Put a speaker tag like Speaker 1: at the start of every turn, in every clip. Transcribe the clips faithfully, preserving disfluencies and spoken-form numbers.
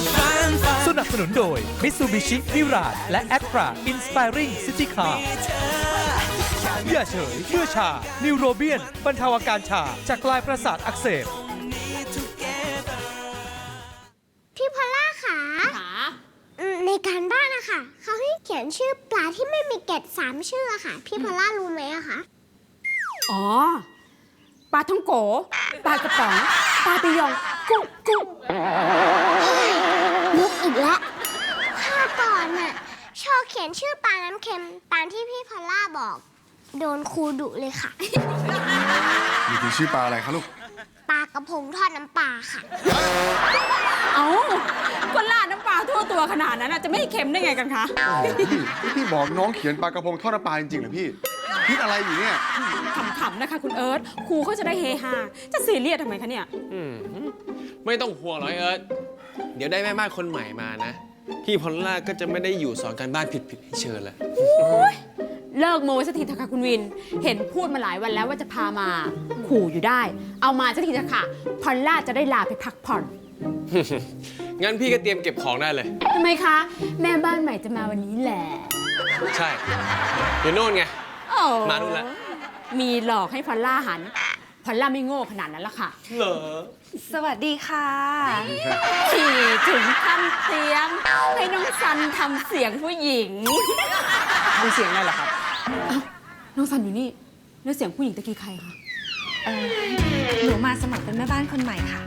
Speaker 1: สนับสนุนโดย Mitsubishi Mirage และ Actra Inspiring City Car อย่าเฉยเมื่อชา นิวโรเบียนบรรเทาอาการชาจากปลายประสาทอักเสบ
Speaker 2: พี่พอลล่าค่ะในการบ้านนะคะเขาให้เขียนชื่อปลาที่ไม่มีเกล็ดสามชื่อค่ะพี่พอลล่ารู้ไหมอะคะ
Speaker 3: อ๋อปลาท่องโกปลากระป๋องปลาปิยองกุ้งกุ้ง
Speaker 2: นึกอีกแล้วข้าก่อนน่ะโชว์เขียนชื่อปลาน้ำเค็มตามที่พี่พอลล่าบอกโดนครูดุเลยค่ะ
Speaker 4: นี่คือชื่อปลาอะไรคะลูก
Speaker 2: ปลากระพงทอดน้ำปลาค่ะ
Speaker 3: เอ้าก็ราดน้ำปลาทั่วตัวขนาดนั้นจะไม่เค็มได้ไงกันคะ
Speaker 4: พี่พี่บอกน้องเขียนปลากระพงทอดน้ำปลาจริงๆเหรอพี่คิดอะไรอยู่เนี่ย
Speaker 3: ขำๆนะคะคุณเอิร์ธครูเขาจะได้เฮฮาจะซีเรียสทำไมคะเนี่ย
Speaker 5: ไม่ต้องห่วงหรอกเอิร์ธเดี๋ยวได้แม่บ้านคนใหม่มานะพี่พอลล่าก็จะไม่ได้อยู่สอนการบ้านผิดๆให้เชิญแล้ว
Speaker 3: เลิกโม้สักทีเถอะค่ะคุณวินเห็นพูดมาหลายวันแล้วว่าจะพามาขู่อยู่ได้เอามาสักทีเถอะค่ะพอลล่าจะได้ลาไปพักผ่อน
Speaker 5: งั้นพี่ก็เตรียมเก็บของได้เลย
Speaker 3: ทำไมคะแม่บ้านใหม่จะมาวันนี้แหละ
Speaker 5: ใช่เดี๋ยวโน่นไงมาดูแล้ว
Speaker 3: มีหลอกให้พอลล่าหันพอลล่าไม่โง่ขนาดนั้นละค่ะ
Speaker 5: เหรอ
Speaker 3: สวัสดีค่ะขี่ถึงขั้นเตียงให้น้องซันทำเสียงผู้หญิง
Speaker 5: ทำเสียงอะไรล่ะครับ
Speaker 3: น้องซันอยู่นี่แล้วเสียงผู้หญิงตะกี้ใครคะ
Speaker 6: เออหนูมาสมัครเป็นแม่บ้านคนใหม่ค่ะ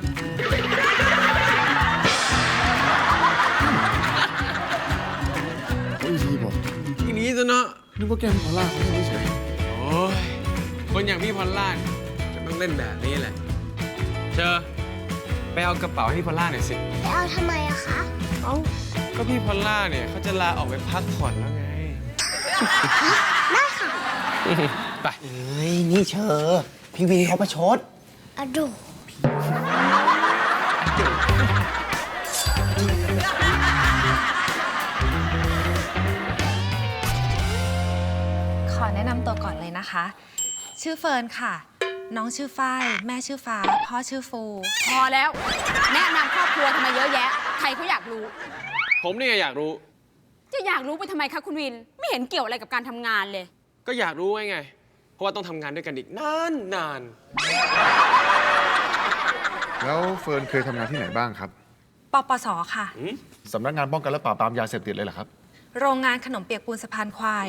Speaker 4: อีทีบอก
Speaker 5: ทีนี้ซะเนาะ
Speaker 4: นึกว่าแกพอลล่าไม่ใช่
Speaker 5: โอ้ยคนอย่างพี่พอลล่าจะต้องเล่นแบบนี้แหละเชอไปเอากระเป๋าให้พี่พอลล่าหน่อยสิ
Speaker 2: ไปเอาทำไมอะคะ
Speaker 5: เอ้าก็พี่พอลล่าเนี่ยเขาจะลาออกไปพักผ่อนแล้วไง
Speaker 2: ได้ค่ะ
Speaker 5: ไป
Speaker 7: เฮ้ยนี่เชอพี่วีเขาประชด
Speaker 2: อะดู
Speaker 6: ขอแนะนำตัวก่อนเลยนะคะชื่อเฟิร์นค่ะน้องชื่อฝ้ายแม่ชื่อฟ้าพ่อชื่อฟู
Speaker 3: พอแล้วแนะนำครอบครัวทำไมเยอะแยะใครเขาอยากรู้
Speaker 5: ผมนี่อยากรู้
Speaker 3: จะอยากรู้ไปทำไมคะคุณวินไม่เห็นเกี่ยวอะไรกับการทำงานเลย
Speaker 5: ก็อยากรู้ไงไงเพราะว่าต้องทำงานด้วยกันอีกนานนาน
Speaker 4: แล้วเฟิร์นเคยทำงานที่ไหนบ้างครับ
Speaker 6: ปปสค่ะ
Speaker 4: สำนักงานป้องกันและปราบปรามยาเสพติดเลยเหรอครับ
Speaker 6: โรงงานขนมเปียกปูนสะพานควาย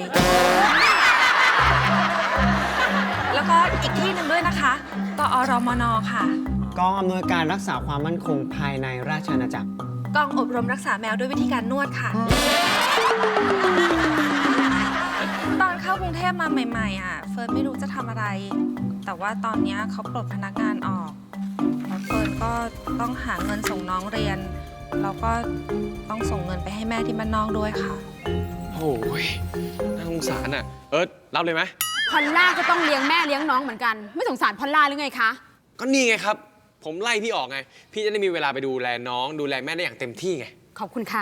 Speaker 6: แล้วก็อีกที่หนึ่งด้วยนะคะกอรมนค่ะ
Speaker 7: กองอำนวยการรักษาความมั่นคงภายในราชอาณาจักร
Speaker 6: กองอบรมรักษาแมวด้วยวิธีการนวดค่ะตอนเข้ากรุงเทพมาใหม่ๆอ่ะเฟิร์นไม่รู้จะทำอะไรแต่ว่าตอนนี้เขาปลดพนักงานออกแล้วเฟิร์นก็ต้องหาเงินส่งน้องเรียนแล้วก็ต้องส่งเงินไปให้แม่ที่บ้านนอกด้วยค่ะ
Speaker 5: โอ้ยน่าสงสารอ่ะเอิร์ธรับเลยไหม
Speaker 3: พอลล่าก็ต้องเลี้ยงแม่เลี้ยงน้องเหมือนกันไม่สงสารพอลล่าหรือไงคะ
Speaker 5: ก็นี่ไงครับผมไล่พี่ออกไงพี่จะได้มีเวลาไปดูแลน้องดูแลแม่ได้อย่างเต็มที่ไง
Speaker 3: ขอบคุณค่ะ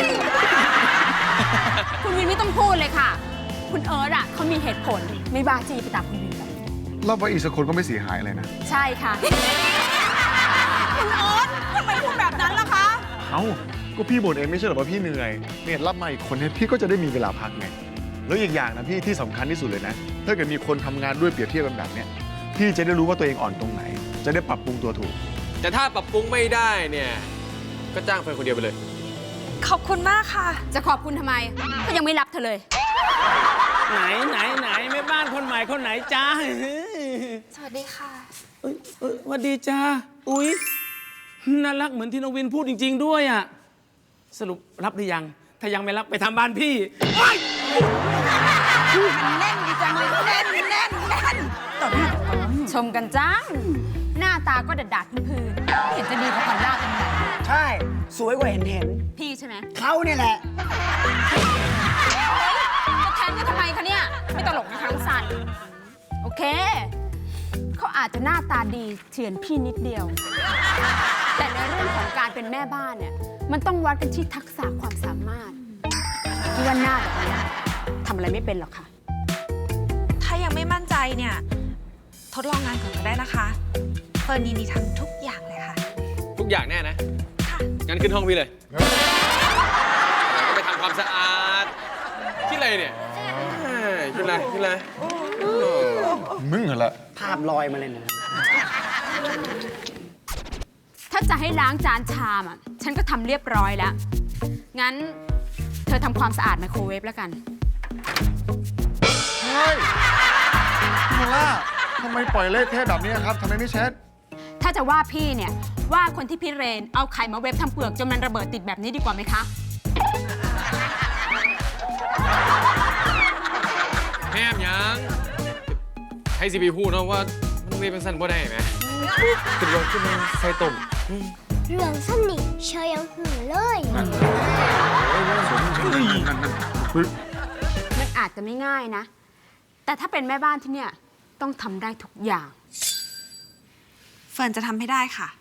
Speaker 3: คุณวินไม่ต้องพูดเลยค่ะคุณเอิร์ธอ่ะเขามีเหตุผลไม่บ้าจี้ไปตามคุณวินแบบ
Speaker 4: เราไปอีกสักคนก็ไม่เสียหายอะไรนะ
Speaker 3: ใช่ค่ะคุณเอิร์ธทำไมพูดแบบนั้นล่ะคะ
Speaker 4: เอ้าก็พี่บ่นเองไม่ใช่หรอว่าพี่เหนื่อยเนี่ยรับมาอีกคนเนี่ยพี่ก็จะได้มีเวลาพักไงแล้วอีกอย่างนะพี่ที่สำคัญที่สุดเลยนะถ้าเกิดมีคนทำงานด้วยเปรียบเทียบกันแบบเนี้ยพี่จะได้รู้ว่าตัวเองอ่อนตรงไหนจะได้ปรับปรุงตัวถูก
Speaker 5: แต่ถ้าปรับปรุงไม่ได้เนี่ยก็จ้างเฟิร์นคนเดียวไปเลย
Speaker 6: ขอบคุณมากค่ะ
Speaker 3: จะขอบคุณทำไมก็ยังไม่รับเธอเลย
Speaker 8: ไหนไหนไหนแม่บ้านคนใหม่คนไหนจ้า
Speaker 6: สวัสดีค่ะ
Speaker 8: เอ้ยเอ้ยสวัสดีจ้าอุ๊ยน่ารักเหมือนที่น้องวินพูดจริงๆด้วยอ่ะสรุปรับหรือยังถ้ายังไม่รับไปทำบ้านพี่
Speaker 3: แน่นดีจังเลยแน่นแน่นแน่นต่อหน้าชมกันจังหน้าตาก็ดัดๆพื้นๆเห็นจะดีกว่าพอลล่าตรงไหน
Speaker 7: ใช่สวยกว่าเห็นเห็น
Speaker 3: พี่ใช่ไหม
Speaker 7: เขาเนี่ยแหละ
Speaker 3: จะแทนกันทำไมคะเนี่ยไม่ตลกนะคะน้องซันโอเคเขาอาจจะหน้าตาดีเฉือนพี่นิดเดียวแต่ในเรื่องของการเป็นแม่บ้านเนี่ยมันต้องวัดกันที่ทักษะความสามารถที่ว่าหน้าแบบนี้ทำอะไรไม่เป็นหรอกค่ะ
Speaker 6: ถ้ายังไม่มั่นใจเนี่ยทดลองงานก่อนก็ได้นะคะเฟิร์นยินดีทำทุกอย่างเลยค่ะ
Speaker 5: ทุกอย่างแน่นะ
Speaker 6: ค่ะ
Speaker 5: งั้นขึ้นห้องพี่เลยไปทำความสะอาดคิดอะไรเนี่ยเอ้ยคิดอะไรคิดอะไร
Speaker 4: มึงเหรอละ
Speaker 7: ภาพลอยมาเลยนะ
Speaker 3: ถ้าจะให้ล้างจานชามอ่ะ ฉันก็ทำเรียบร้อยแล้ว งั้นเธอทำความสะอาดไมโครเวฟแล้วกัน
Speaker 4: เฮ้ยพี่พอลล่าทำไมปล่อยเละเทะแบบนี้ครับทำไมไม่เช็ด
Speaker 3: ถ้าจะว่าพี่เนี่ยว่าคนที่พี่เรนเอาไข่มาเวฟทำเปลือกจนมันระเบิดติดแบบนี้ดีกว่าไหมคะ
Speaker 5: แม่มยังให้ซีพีพูดนะว่ามันเรียนเป็นสั้นบ่ได้ไหมขึ้นลงขึ้นมาใส่ต้ม
Speaker 2: เรื่องสนิทเชยยังหูเลย
Speaker 3: มันอาจจะไม่ง่ายนะ แต่ถ้าเป็นแม่บ้านที่เนี่ยต้องทำได้ทุกอย่าง
Speaker 6: เฟิร์นจะทำให้ได้ค่ะ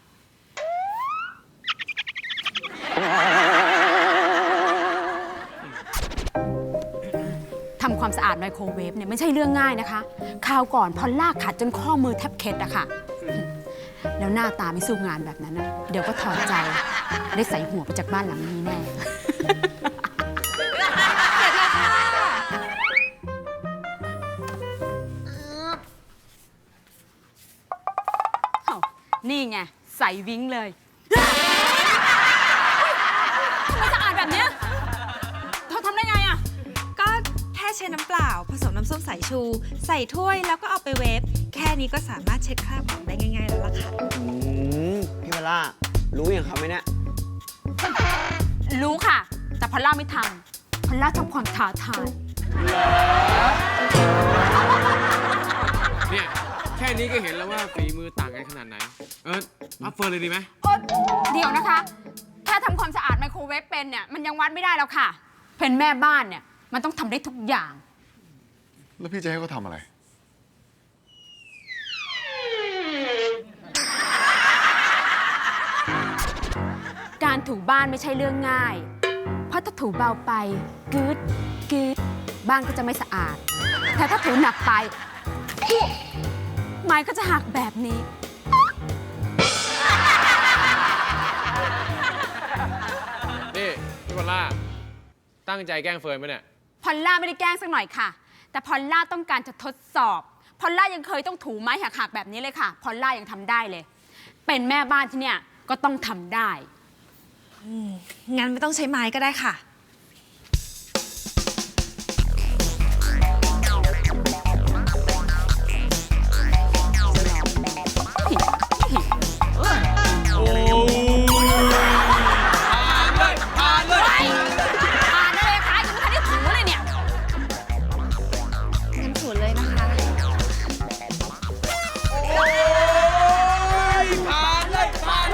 Speaker 3: ทำความสะอาดไมโครเวฟเนี่ยไม่ใช่เรื่องง่ายนะคะ คราวก่อนพอลล่าขัดจนข้อมือแทบเคล็ดอะค่ะ แล้วหน้าตาไม่สู้งานแบบนั้นนะเดี๋ยวก็ถอดใจ ได้ใส่หัวไปจากบ้านหลังนี้แน่ เอ้านี่ไง ใส่วิ้งเลยทำไมสะอาดแบบเนี้ยเธอทำได้ไงอะ
Speaker 6: ก็แค่ใช้น้ำเปล่า ผสมน้ำส้มสายชู ใส่ถ้วยแล้วก็เอาไปเวฟ แค่นี้ก็สามารถเช็ดคราบของได้ง่ายๆแล้วล่ะค่ะ
Speaker 7: อืม พี่พอลล่า รู้อย่างเขาไหมเนี่ย
Speaker 3: รู้ค่ะ แต่พอลล่าไม่ทำพอลล่าชอบความท้าทาย
Speaker 5: เนี่ยแค่นี้ก็เห็นแล้วว่าฝีมือต่างกันขนาดไหน เอออัพเฟิร์นเลยดีไหม
Speaker 3: โอ๊ยเดี๋ยวนะคะ แค่ทำความสะอาดไมโครเวฟเป็นเนี่ยมันยังวัดไม่ได้แล้วค่ะ เป็นแม่บ้านเนี่ยมันต้องทำได้ทุกอย่าง
Speaker 4: แล้วพี่จะให้เขาทำอะไร
Speaker 3: การถูบ้านไม่ใช่เรื่องง่าย เพราะถ้าถูเบาไปกึดกึดบ้านก็จะไม่สะอาด แต่ถ้าถูหนักไปปุ๊บไม้ก็จะหักแบบนี้
Speaker 5: นี่พี่พอลล่าตั้งใจแกล้งเฟิร์นไหมเนี่ย
Speaker 3: พอลล่าไม่ได้แกล้งสักหน่อยค่ะ แต่พอลล่าต้องการจะทดสอบ พอลล่ายังเคยต้องถูไม้หักๆแบบนี้เลยค่ะ พอลล่ายังทำได้เลย เป็นแม่บ้านที่เนี่ยก็ต้องทำได้
Speaker 6: งั้นไม่ต้องใช้ไม้ก็ได้ค่ะ
Speaker 5: โอ้ยผ่านเลยผ่านเลย
Speaker 3: อ่านอะไรคะยังไม่ทันได้ถูเลยเนี่ย
Speaker 6: งั้นถูเลยนะคะ
Speaker 5: โอ้ยผ่านเลยผ่านเลย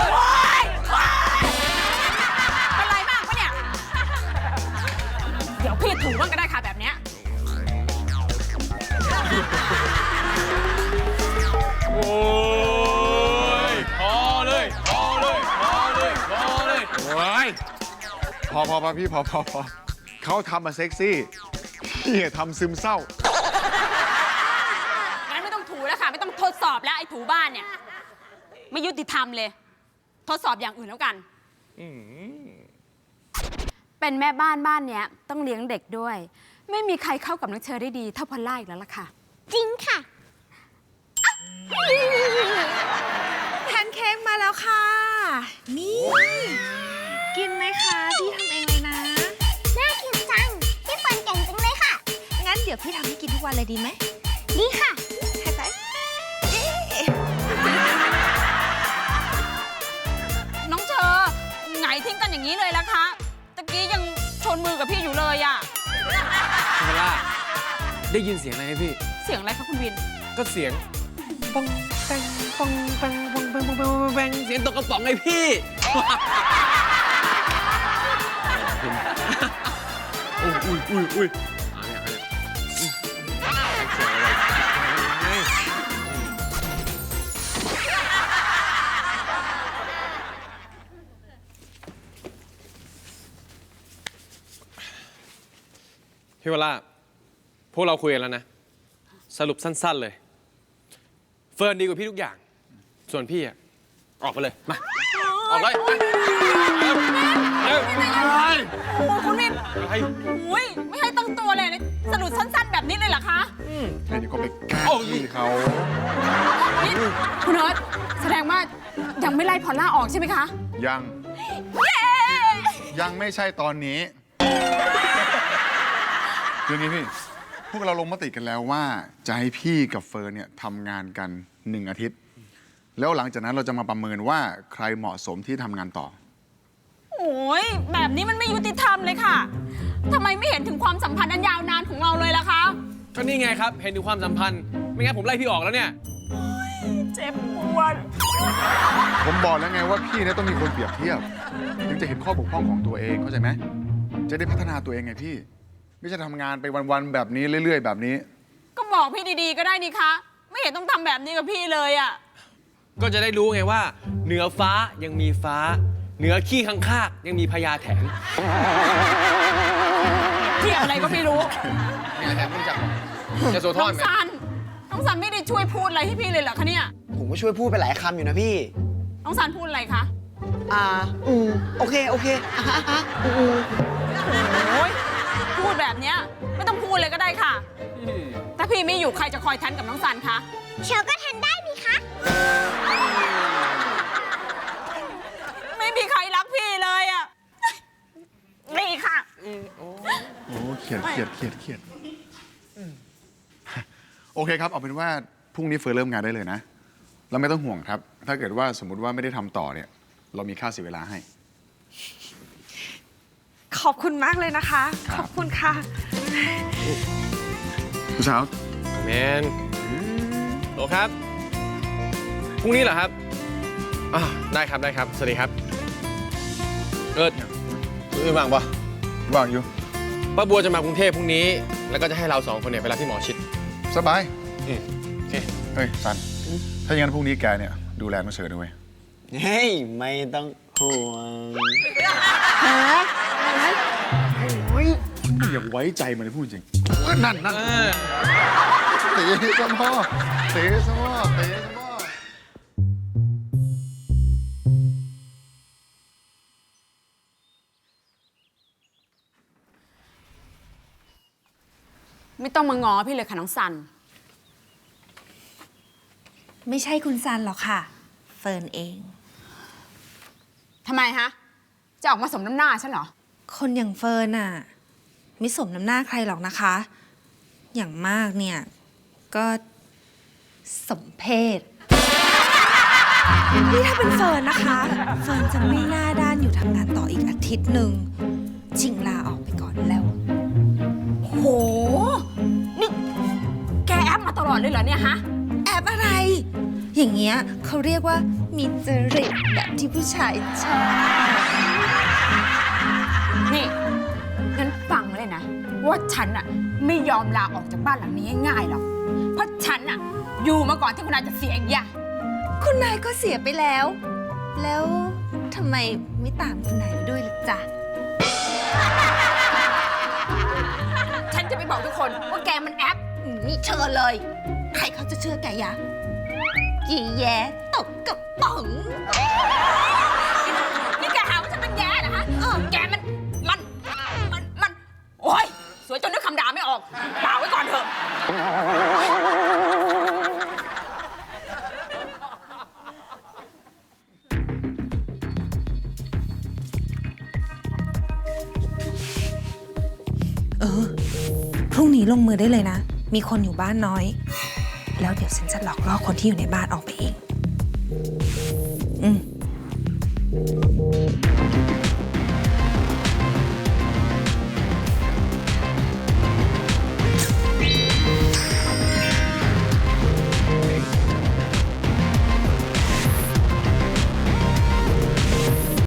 Speaker 3: เป็นไรบ้างปะเนี่ย เดี๋ยวพี่ถูบ้างก็ได้ค่ะแบบเนี้ย
Speaker 5: โอ้ยพอเลยพอเลยพอเลยพอเลย
Speaker 4: โอ้ยพอพอพอพี่พอพอพอเขาทำมาเซ็กซี่ พี่ทำซึมเศร้า
Speaker 3: งั้นไม่ต้องถูแล้วค่ะ ไม่ต้องทดสอบแล้วไอ้ถูบ้านเนี่ย ไม่ยุติธรรมเลย ทดสอบอย่างอื่นแล้วกัน เป็นแม่บ้านบ้านเนี้ยต้องเลี้ยงเด็กด้วย ไม่มีใครเข้ากับน้องเชอได้ดีเท่าพอลล่าอีกแล้วล่ะค่ะ
Speaker 2: จริงค่ะ
Speaker 6: แพนเค้กมาแล้วค่ะ นี่ กินไหมคะพี่ทำเองเลยนะ
Speaker 2: น่ากินจัง พี่เฟิร์นเก่งจังเลยค่ะ
Speaker 6: งั้นเดี๋ยวพี่ทำให้กินทุกวันเลยดีไหม
Speaker 2: ดีค่ะ
Speaker 6: ให้ไปเอ๊ะ
Speaker 3: น้องเชอไงทิ้งกันอย่างนี้เลยล่ะคะตะกี้ยังชนมือกับพี่อยู่เลยอะ
Speaker 5: พี่พอลล่าได้ยินเสียงอะไรไหมพี่
Speaker 3: เสียงอะไรคะคุณวิน
Speaker 5: ก็เสียงปังแปงปังแปงปังแปงปังแปงปังแปงเสียงตกกระป๋องไงพี่ อุ้ยอุ้ยอุ้ยอุ้ยเอาเนี่ยเอาเนี่ยเสียงอะไรพี่วล่าพวกเราคุยกันแล้วนะ สรุปสั้นๆเลย เฟิร์นดีกว่าพี่ทุกอย่าง ส่วนพี่อะออกไปเลย มา ออกเลยไป
Speaker 3: โอ้คุณวิน
Speaker 5: อะไร
Speaker 3: โอ้ยไม่ให้ตั้งตัวเลยสรุปสั้นๆ แบบนี้เลยเหรอคะ
Speaker 4: แค่นี้ก็ไปแกล้งพี่เขา
Speaker 3: นี่คุณเอิร์ธแสดงว่ายังไม่ไล่พอลล่าออกใช่ไหมคะ
Speaker 4: ยัง ยังไม่ใช่ตอนนี้คืออย่างนี้พี่ พวกเราลงมติกันแล้วว่าจะให้พี่กับเฟิร์นเนี่ยทำงานกันหนึ่งอาทิตย์ แล้วหลังจากนั้นเราจะมาประเมินว่าใครเหมาะสมที่ทำงานต่อ
Speaker 3: โอ้ยแบบนี้มันไม่ยุติธรรมเลยค่ะทำไมไม่เห็นถึงความสัมพันธ์อันยาวนานของเราเลยล่ะคะ
Speaker 5: ก็นี่ไงครับ เห็นถึงความสัมพันธ์ ไม่งั้นผมไล่พี่ออกแล้วเนี่ย
Speaker 3: เจ็บปวด
Speaker 4: ผมบอกแล้วไงว่าพี่เนี่ยต้องมีคนเปรียบเทียบถึงจะเห็นข้อบกพร่องของตัวเองเข้าใจไหมจะได้พัฒนาตัวเองไงพี่ ไม่ใช่ทำงานไปวันๆแบบนี้เรื่อยๆแบบนี้
Speaker 3: ก็บอกพี่ดีๆก็ได้นี่คะ ไม่เห็นต้องทำแบบนี้กับพี่เลยอะ
Speaker 5: ก็จะได้รู้ไงว่า เหนือฟ้ายังมีฟ้า เหนือขี้ข้างคากยังมีพญาแถน
Speaker 3: ที่อะไรก็ไม่รู้
Speaker 5: พญาแถนไม่รู้จักหรอจะโซท
Speaker 3: น้
Speaker 5: อ
Speaker 3: อน ง
Speaker 5: ไหม
Speaker 3: ซันน้องซันไม่ได้ช่วยพูดอะไรให้พี่เลยเหรอคะเนี่ย
Speaker 7: ผมก็ช่วยพูดไปหลายคำอยู่นะพี่
Speaker 3: น้องซันพูดอะไรคะ
Speaker 7: อ่า อืม โอเค โอเคอ่ะฮะอ่ะอืมอืม
Speaker 3: โอ้ยพูดแบบเนี้ยไม่ต้องพูดเลยก็ได้ค่ะ ถ้าพี่ไม่อยู่ใครจะคอยทันกับน้องซันคะ
Speaker 2: เชลก็ทันได้นี่คะ
Speaker 3: ไม่มีใครรักพี่เลยอะนี่ค่ะ
Speaker 4: โอ้เขียดเขียดเขียดเขียดโอเคครับ เอาเป็นว่าพรุ่งนี้เฟิร์นเริ่มงานได้เลยนะ แล้วไม่ต้องห่วงครับ ถ้าเกิดว่าสมมติว่าไม่ได้ทำต่อเนี่ย เรามีค่าเสียเวลาให้
Speaker 6: ขอบคุณมากเลยนะคะ
Speaker 4: ครับ
Speaker 6: ขอบคุณค่ะ
Speaker 4: ผู้สาว
Speaker 5: แมนโอครับ พรุ่งนี้เหรอครับอ่าได้ครับ ได้ครับ สวัสดีครับ เอิร์ดเอิร์ดว่างปะ
Speaker 4: ว่างอยู่
Speaker 5: ป้าบัวจะมากรุงเทพพรุ่งนี้ แล้วก็จะให้เราสองคนเนี่ยไปรับที่หมอชิด
Speaker 4: สบาย
Speaker 5: อืมโอเค
Speaker 4: เฮ้ยซัน ถ้าอย่างนั้นพรุ่งนี้แกเนี่ยดูแลน้องเฉยด้วย
Speaker 7: เฮ้ย ไม่ต้องห่วง
Speaker 4: อย่าไว้ใจมันเลยพูดจริงเอ้ยนั่นนั่นเตะสมอเตะสมอเตะสมอ
Speaker 3: ไม่ต้องมาง้อพี่เลยค่ะน้องซัน
Speaker 6: ไม่ใช่คุณซันหรอกค่ะ เฟิร์นเอง
Speaker 3: ทำไมฮะ จะออกมาสมน้ำหน้าฉันเหรอ
Speaker 6: คนอย่างเฟิร์นน่ะไม่สมน้ำหน้าใครหรอกนะคะ อย่างมากเนี่ยก็สมเพศนี่ถ้าเป็นเฟิร์นนะคะ เฟิร์นจะไม่หน้าด้านอยู่ทำงานต่ออีกอาทิตย์หนึ่งชิงลาออกไปก่อนแล้ว
Speaker 3: โห นี่แกแอปมาตลอดเลยเหรอเนี่ยฮะ
Speaker 6: แอบอะไร อย่างเงี้ยเขาเรียกว่ามีจริตแบบที่ผู้ชายชอบ
Speaker 3: นี่งั้นฟังไว้เลยนะ ว่าฉันอะไม่ยอมลาออกจากบ้านหลังนี้ง่ายๆหรอก เพราะฉันอะอยู่มาก่อนที่คุณนายจะเสียอีกอย่าง
Speaker 6: คุณนายก็เสียไปแล้ว แล้วทำไมไม่ตามคุณนายไปด้วยล่ะจ๊ะ
Speaker 3: ฉันจะไปบอกทุกคนว่าแกมันแอปนี่เชิญเลย
Speaker 6: ใครเขาจะเชื่อแกยะยีแย้ตกกระป๋อง
Speaker 3: นี่แกหาว่าฉันเป็นแย่เหรอฮะเออแกมัน มัน มัน มัน โอ๊ย สวยจนนึกคำด่าไม่ออกด่าไว้ก่อนเถอะ
Speaker 6: เออ พรุ่งนี้ลงมือได้เลยนะ มีคนอยู่บ้านน้อย แล้วเดี๋ยวฉันจะหลอกล่อคนที่อยู่ในบ้านออกไปเอง อืม